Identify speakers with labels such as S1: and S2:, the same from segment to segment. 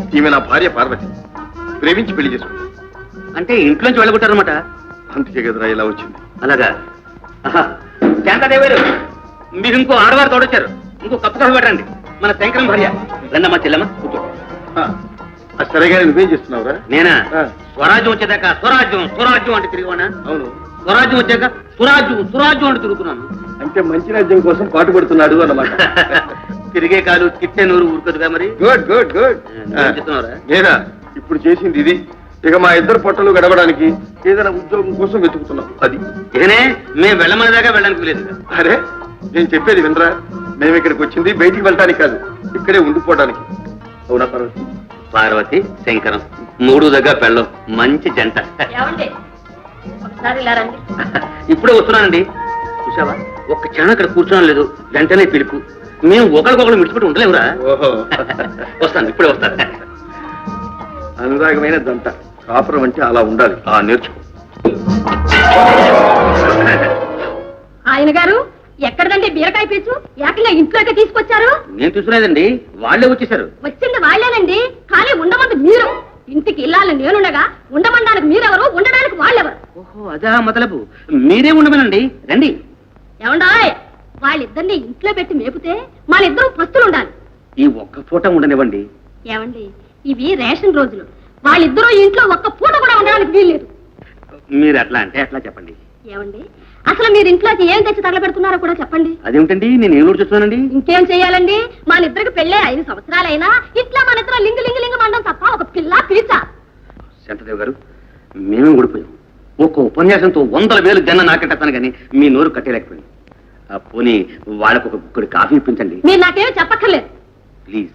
S1: ఈమె నా భార్య పార్వతి. ప్రేమించి పెళ్లి చేసుకుంది.
S2: అంటే ఇంట్లోంచి వెళ్ళగొట్టారనమాట.
S1: అందుకే కదరా ఇలా వచ్చింది.
S2: అలాగా? శాంతాదేవారు, మీరు ఇంకో ఆడవారు తోడొచ్చారు. ఇంకో కప్పు కాఫీ పెట్టండి. మన శంకరం భార్య. రండమ్మా చెల్లమ్మ, కూర్చో.
S1: సరేగా నువ్వేం చేస్తున్నావురా?
S2: నేనా? స్వరాజ్యం వచ్చేదాకా స్వరాజ్యం స్వరాజ్యం అంటే తిరిగివానా?
S1: అవును.
S2: స్వరాజ్యం వచ్చాక సురాజ్యం సురాజ్యం అంటే తిరుగుతున్నాను.
S1: అంటే మంచి రాజ్యం కోసం పాటు పడుతున్నాడు అన్నమాట.
S2: తిరిగే కాలు తిట్టే నూరు ఊరుకదుగా మరి.
S1: Good good good.
S2: చెప్తున్నారా?
S1: నేనా ఇప్పుడు చేసింది ఇది. ఇక మా ఇద్దరు పొట్టలు గడవడానికి ఏదైనా ఉద్యోగం కోసం వెతుకుతున్నాం. అది
S2: ఇకనే మేము వెళ్ళమని దాకా వెళ్ళడానికి లేదు.
S1: అరే నేను చెప్పేది వినరా? మేము ఇక్కడికి వచ్చింది బయటికి వెళ్ళడానికి కాదు, ఇక్కడే ఉండిపోవడానికి. అవునా పార్వతి?
S2: పార్వతి శంకరం మూడు దగ్గర పెళ్ళం మంచి జంట. ఇప్పుడే వస్తున్నానండి. చూసావా, ఒక్క క్షణం అక్కడ కూర్చోడం లేదు, వెంటనే పిలుపు. మేము ఒకరికొకరు మిడిచిపెట్టి ఉండలేవురా.
S1: ఓహో
S2: వస్తాను, ఇప్పుడే వస్తాను.
S1: అనురాగమైన దంట. కాపురం అంటే అలా ఉండాలి. నేర్చుకో.
S3: ఆయన గారు ఎక్కడదండి బీరకాయ పీచు? ఏకంగా ఇంట్లోకి తీసుకొచ్చారు.
S2: నేను తీసుకునేదండి, వాళ్ళే వచ్చేసారు.
S3: వచ్చింది వాళ్ళేనండి, కానీ ఉండమంది మీరు. ఇంటికి ఇల్లాలని నేనుండగా ఉండమనడానికి మీరెవరు, ఉండడానికి వాళ్ళెవరు?
S2: ఓహో అదా మొదలపు. మీరే ఉండమనండి, రండి.
S3: ఏమండాయ్, వాళ్ళిద్దరిని ఇంట్లో పెట్టి మేపితే మన ఇద్దరు పస్తులు ఉండాలి.
S2: ఈ ఒక్క పూట ఉండనివ్వండి.
S3: ఏమండి, ఇవి రేషన్ రోజులు. వాళ్ళిద్దరూ ఇంట్లో ఒక్క పూట కూడా ఉండడానికి వీల్లేదు.
S2: మీరు అట్లా అంటే అట్లా చెప్పండి.
S3: ఏమండి, అసలు మీరు ఇంట్లోకి ఏం తెచ్చి తగలబెడుతున్నారో కూడా చెప్పండి.
S2: అదేమిటండి, నేను ఏం చూస్తున్నానండి.
S3: ఇంకేం చెయ్యాలండి, మన ఇద్దరికి పెళ్ళే 5 సంవత్సరాలైనా ఇట్లా మన ఇద్దరు లింగు లింగు లింగు మండం తప్ప ఒక పిల్ల పిలిచ.
S2: శాంతదేవ్ గారు, మేమే ఊడిపోయాం. ఒక్క ఉపన్యాసంతో 100 వేలు జన్న నాకెట్టాను కానీ మీ నోరు కట్టేలేకపోయింది. పోనీ వాళ్ళకు ఒక గుక్కడి కాఫీ ఇప్పించండి.
S3: మీరు నాకేమీ చెప్పక్కర్లేదు
S2: ప్లీజ్.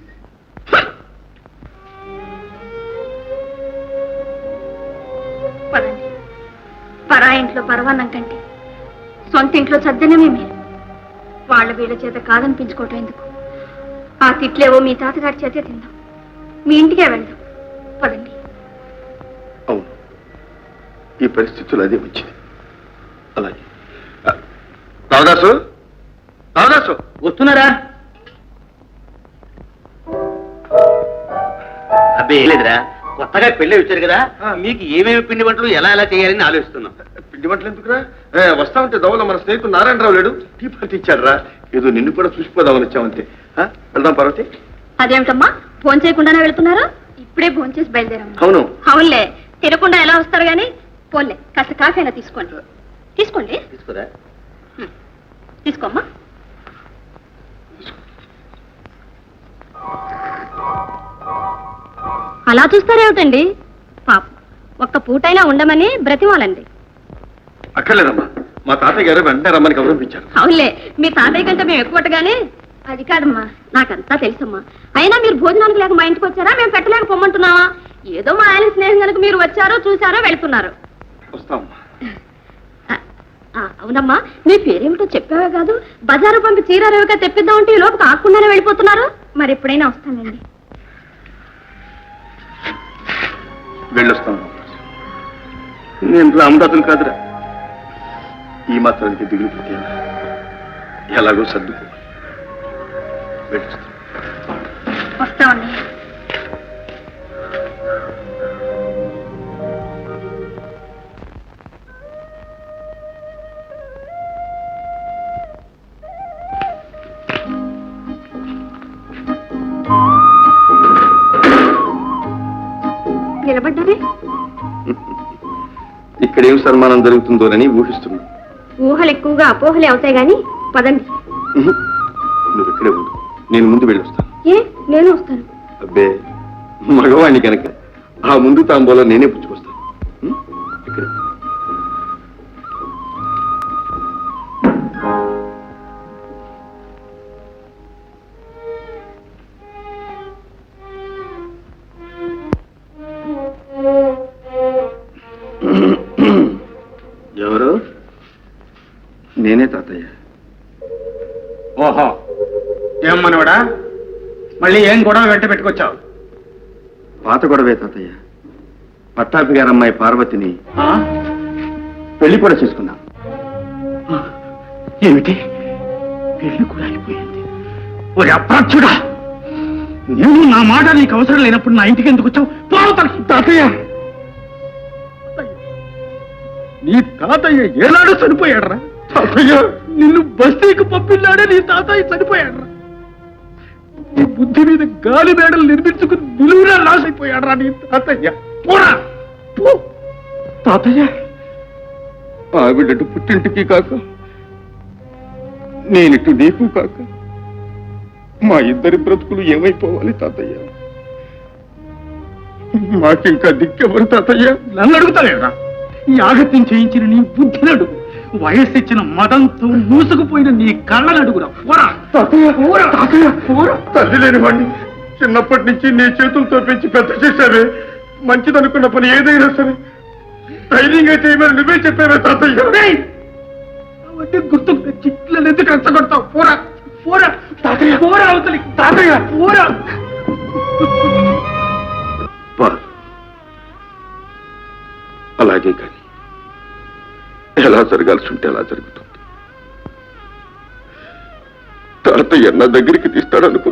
S3: పదండి. పరా ఇంట్లో పరవాన్నం కంటే సొంత ఇంట్లో సజ్జనమే మీరు. వాళ్ళ వీళ్ళ చేత కాదనిపించుకోవటం ఎందుకు? ఆ తిట్లేవో మీ తాతగారి చేతే తిందాం, మీ ఇంటికే వెళ్దాం. పదండి.
S1: అవును, ఈ పరిస్థితులు అదే వచ్చింది. అలాగే రావదాసు, రావదాసు
S2: వస్తున్నారా? అబ్బే లేదురా, కొత్తగా పెళ్ళి వచ్చారు కదా, మీకు ఏమేమి పిండి వంటలు ఎలా ఎలా చేయాలని ఆలోచిస్తున్నాం.
S1: పిండి వంటలు ఎందుకురా? వస్తా ఉంటే దవల మన స్నేహితుడు నారాయణరావు లేడు, టీ పార్టీ ఇచ్చాడు రా. ఏదో నిన్ను కూడా చూసిపోదామని వచ్చామంతే. వెళ్దాం పార్వతి.
S3: అదేమిటమ్మా, ఫోన్ చేయకుండానే వెళ్తున్నారా? ఇప్పుడే ఫోన్ చేసి బయలుదేరాము.
S1: అవును.
S3: అవునులే, తినకుండా ఎలా వస్తారు గాని. పోన్లే, కాస్త కాఫీ అయినా తీసుకోండి. తీసుకోండి.
S2: తీసుకురా.
S3: తీసుకోమ్మా. అలా చూస్తారేమిటండి? పాప ఒక్క పూటైనా ఉండమని బ్రతిమాలండి.
S1: అక్కర్లేదమ్మా, మా తాతయ్య గారు వెంటనే రమ్మని గౌరవించారు.
S3: అవునులే, మీ తాతయ్య కంటే మేము ఎక్కువగానే. అది కాదమ్మా, నాకంతా తెలుసమ్మా. అయినా మీరు భోజనానికి లేక మా ఇంటికి వచ్చారా, మేము పెట్టలేక పొమ్మంటున్నావా? ఏదో మా ఆయన స్నేహం కనుక మీరు వచ్చారో చూసారో వెళ్తున్నారు.
S1: వస్తామమ్మా.
S3: అవునమ్మా, మీ పేరేమిటో చెప్పావే కాదు, బజారు పంపి చీరారేవిగా తెప్పిద్దామంటే ఈ లోపు కాకుండానే వెళ్ళిపోతున్నారు. మరి ఎప్పుడైనా వస్తానండి.
S1: వెళ్ళొస్తాం. నేను రామదాసులు కాదురా, ఈ మాత్రానికి దిగులు పెట్టాను. ఎలాగో సర్దుకో.
S3: వస్తామండి. నిలబడ్డారే?
S1: ఇక్కడేం సన్మానం జరుగుతుందోనని ఊహిస్తున్నా.
S3: ఊహలు ఎక్కువగా అపోహలే అవుతాయి గాని పదండి.
S1: నువ్వు ఇక్కడే ఉండు, నేను ముందు వెళ్ళొస్తాను.
S3: ఏ, నేను వస్తాను.
S1: అబ్బే, మగవాణ్ణి కనుక ఆ ముందు తాంబూలం నేనే పుచ్చుకొస్తాను. ఇక్కడ ఎవరు? నేనే తాతయ్య.
S4: ఓహో, ఏం మనవడా, మళ్ళీ ఏం గొడవ వెంట పెట్టుకొచ్చావు?
S1: పాత గొడవే తాతయ్య. పట్టాపి గారు అమ్మాయి పార్వతిని పెళ్లి కూడా చేసుకున్నాం.
S4: ఏమిటి, పెళ్లి కూడా అయిపోయింది? ఓ అప్రాచ్యుడా, నేను నా మాట నీకు అవసరం లేనప్పుడు నా ఇంటికి ఎందుకు వచ్చావు? పోవతలకి తాతయ్య. నీ తాతయ్య ఏనాడు చనిపోయాడరా? తాతయ్య నిన్ను బస్తీకి పంపిన్నాడే నీ తాతయ్య చనిపోయాడరా? నీ బుద్ధి మీద గాలి మేడలు నిర్మించుకుని నిలువురా రాసైపోయాడరా నీ తాతయ్య. పోరా పో. తాతయ్య ఆవిడటు పుట్టింటికి కాక నేనిటు నీకు కాక మా ఇద్దరి బ్రతుకులు ఏమైపోవాలి తాతయ్య? మాకింకా దిక్కెవరు తాతయ్య? నన్ను అడుగుతావేరా? ఈ ఆగత్యం చేయించిన నీ బుద్ధిని అడుగు, వయస్సు ఇచ్చిన మదంతో మూసుకుపోయిన నీ కళ్ళని అడుగురా. పోరా తాతయ్య. పోరా తాతయ్య. పోరా. తల్లి లేనివాడిని చిన్నప్పటి నుంచి నీ చేతులతో పెంచి పెద్ద చేశావే. మంచిదనుకున్న పని ఏదైనా సరే ధైర్యంగా చేయమని నువ్వే చెప్పావే తాతయ్య. అవన్నీ గుర్తుకు తెచ్చి ఇట్లా ఎందుకు రెచ్చగొడతావు? పోరా పోరా తాతయ్య. పోరా అవతలి తాతయ్య. పోరా.
S1: అలాగే కానీ ఎలా జరగాల్సి ఉంటే అలా జరుగుతుంది. తాతయ్య నా దగ్గరికి తీస్తాడనుకో